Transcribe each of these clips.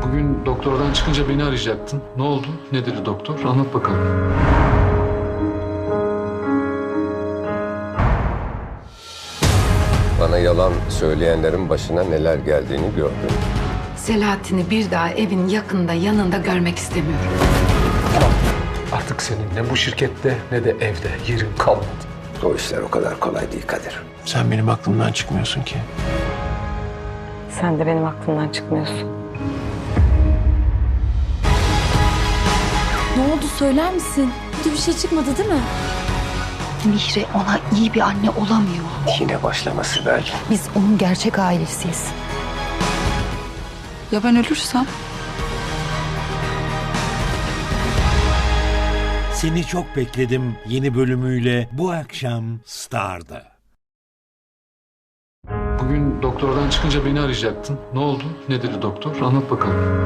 Bugün doktordan çıkınca beni arayacaktın. Ne oldu? Ne dedi doktor? Anlat bakalım. Bana yalan söyleyenlerin başına neler geldiğini gördüm. Selahattin'i bir daha evin yakında yanında görmek istemiyorum. Artık senin ne bu şirkette ne de evde yerin kalmadı. O işler o kadar kolay değil Kadir. Sen benim aklımdan çıkmıyorsun ki. Sen de benim aklımdan çıkmıyorsun. Ne oldu söyler misin? Kötü bir şey çıkmadı değil mi? Mihre ona iyi bir anne olamıyor. Yine başlama Sibel. Biz onun gerçek ailesiyiz. Ya ben ölürsem? Seni Çok Bekledim yeni bölümüyle bu akşam Star'da. Bugün doktordan çıkınca beni arayacaktın. Ne oldu? Ne dedi doktor? Anlat bakalım.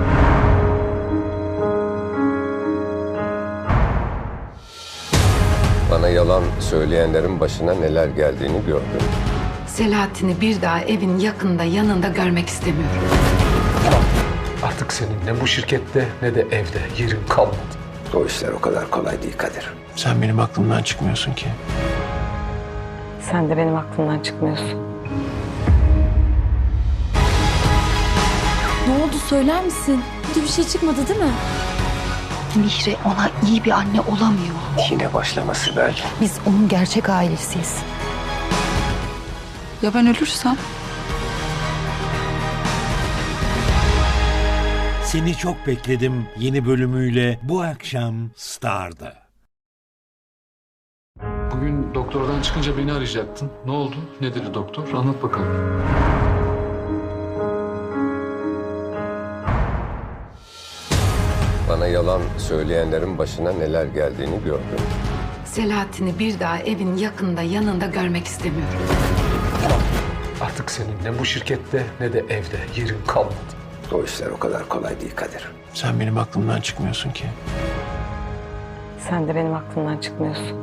Bana yalan söyleyenlerin başına neler geldiğini gördüm. Selahattin'i bir daha evin yakında yanında görmek istemiyorum. Artık senin ne bu şirkette ne de evde yerin kalmadı. O işler o kadar kolay değil Kadir. Sen benim aklımdan çıkmıyorsun ki. Sen de benim aklımdan çıkmıyorsun. Ne oldu söyler misin? Kötü bir şey çıkmadı değil mi? Mihre ona iyi bir anne olamıyor. Yine başlama Sibel. Biz onun gerçek ailesiyiz. Ya ben ölürsem? Seni Çok Bekledim yeni bölümüyle bu akşam Star'da. Bugün doktordan çıkınca beni arayacaktın. Ne oldu? Ne dedi doktor? Anlat bakalım. Bana yalan söyleyenlerin başına neler geldiğini gördüm. Selahattin'i bir daha evin yakında yanında görmek istemiyorum. Artık senin ne bu şirkette ne de evde yerin kalmadı. O işler o kadar kolay değil Kadir. Sen benim aklımdan çıkmıyorsun ki. Sen de benim aklımdan çıkmıyorsun.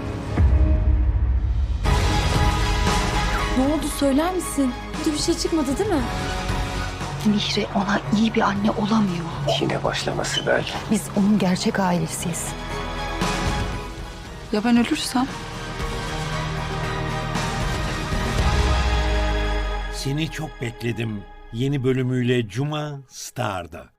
Ne oldu söyler misin? Kötü bir şey çıkmadı değil mi? Mihre ona iyi bir anne olamıyor. Yine başlama Sibel. Biz onun gerçek ailesiyiz. Ya ben ölürsem? Seni Çok Bekledim yeni bölümüyle Cuma Star'da.